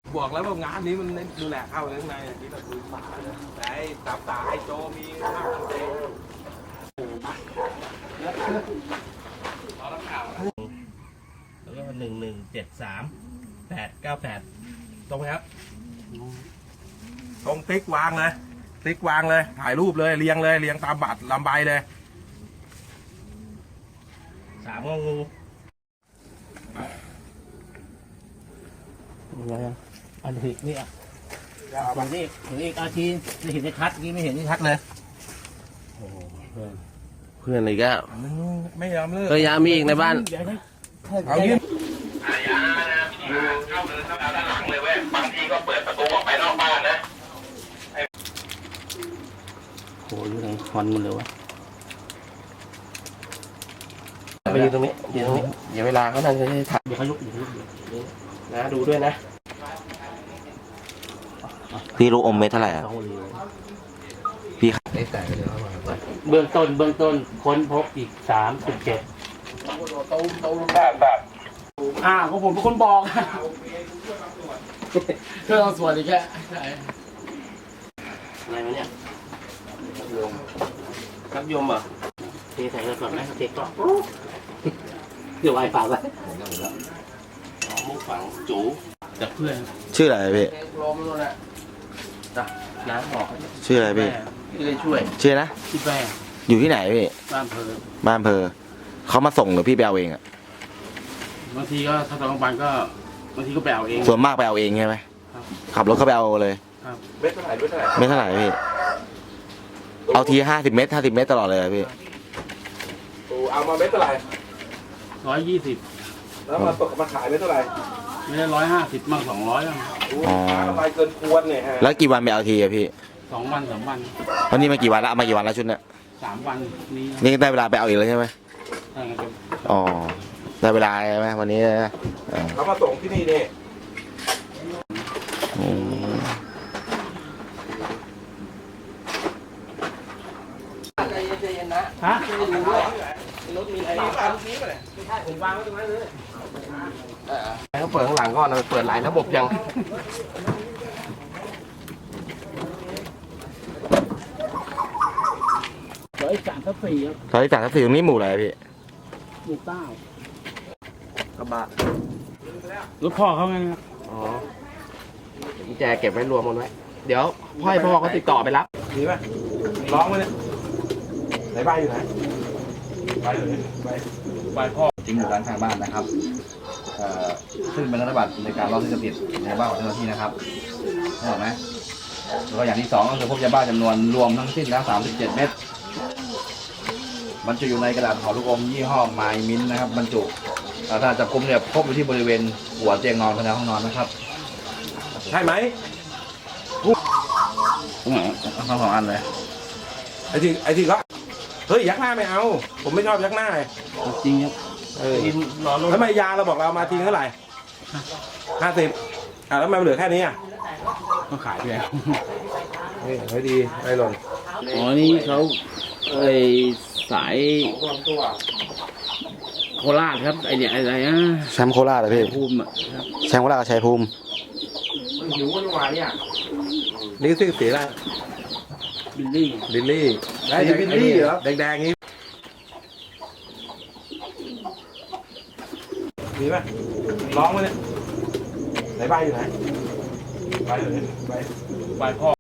บอกแล้วว่างานนี้มันดูแลเข้าข้างในอย่างนี้เราดูป่าเลยแต่ไอ้ตับตาไอ้โจมีข้าวมันเองแล้วก็1173-898ตรงไหมครับตรงติ๊กวางเลยติ๊กวางเลยถ่ายรูปเลยเรียงตามบัตรลำใบเลย3งงูอันนี้นี่อ่ะอย่างนี้ถึงอีกอาทีไม่เห็นชัดนี่ไม่เห็นชัดเลยเพื่อนอะไรก็ไม่ยอมเลิกยามีอีกในบ้านเอายืนเข้าเดินเข้าด้านหลังเลยเว้ยบางทีก็เปิดประตูออกไปนอกบ้านนะโหอยู่ไหนควันมันเลยวะไปยืนตรงนี้ยืนตรงนี้อย่าเวลาเขานั่งจะได้ถ่ายเดี๋ยวเขาลุกนะดูด้วยนะพี่รู้อมเม็ดเท่าไหร่อ่ะพี่ได้ใส่ไปเลยเบื้องต้นค้นพบอีก37ก็ผมเป็นคนบอกเพื่อเอาส่วนอีกแค่อะไรวะเนี่ยครับยมอ่ะเทใส่กระสอบไหมเทกล่องเดี๋ยวไวฝากไว้มุกฝังจูจากเพื่อนชื่ออะไรพี่ลมนู่นแหละจ้ะน้ำบอกชื่ออะไรพี่ที่ได้ช่วยชื่อนะที่แม่อยู่ที่ไหนพี่บ้านเพอบ้านอำเภอเขามาส่งหรือพี่ไปเอาเองอ่ะบางทีก็ถ้าตอนกลางวันก็บางทีก็ไปเอาเองส่วนมากไปเอาเองใช่ไหมขับรถเข้าไปเอาเลยเม็ดเท่าไหร่ไม่เท่าไหร่พี่เอาที50 เมตรตลอดเลยอะพี่เอามาเม็ดเท่าไหร่ 120 แล้วมาขายเม็ดเท่าไหร่ไม่ได้150มั่ง200มั่งอ๋อไปเกินควรเนี่ยฮะแล้วกี่วันไปเอาทีอะพี่ 2 วัน3 วันวันนี้มากี่วันแล้วเอามากี่วันแล้วชุดเนี้ย 3 วันนี้นี่ได้เวลาไปเอาอีกแล้วใช่ไหมถ้างั้นจะอ๋อได้เวลาใช่ไหมวันนี้นะอ๋อเขามาส่งที่นี่เนี่ยอืมฮะเขาเปิดข้างหลังก่อนเปิดหลายระบบยัง 103ทับ4ครับตอนที่3 4ตรงนี้หมู่อะไรพี่หมู่9 กระบะรถพ่อเขาไงครับอ๋อกุญแจเก็บไว้รวมหมดไว้เดี๋ยวพ่อเขาติดต่อไปรับดีป่ะร้องมาเนี่ยไหนใบอยู่ไหนใบอยู่ไหนใบพ่อทิ้งอยู่ร้านข้างบ้านนะครับซึ่งเป็นธนบัตรในการล็อกที่จะผิดในบ้านของเจ้าหน้าที่นะครับเข้าใจไหมแล้วก็อย่างที่สองก็คือพบยาบ้าจำนวนรวมทั้งสิ้นแล้ว37 เม็ดบรรจุอยู่ในกระดาษห่อลูกอมยี่ห้อไมมินนะครับบรรจุถ้าจับกุมเนี่ยพบอยู่ที่บริเวณหัวเตียงนอนภายในห้องนอนนะครับใช่ไหมทั้งสองอันเลยไอ้ที่เขาเฮ้ยยักหน้าไม่เอา ผมไม่ชอบยักหน้าจริงครับทำไมยาเราบอกเรามาทิ้งเท่าไหร่50แล้วทำไมมันเหลือแค่นี้อ่ะก็ขายไปแล้วนี่ไม่ดีไม่หล่นอ๋อนี่เขาสายโคราชครับไอเนี่ยอะไรนะแชมป์โคราชเหรอพี่ภูมิอ่ะครับแชมป์โคราชกับชัยภูมิหิวกันหวานเนี่ยนี่ชื่อสีอะไรบิลลี่ลิลลี่บิลลี่เหรอแดงๆนี้ดีป่ะร้องมาเนี่ยไหนใบอยู่ไหนใบอยู่ไหนใบพ่อ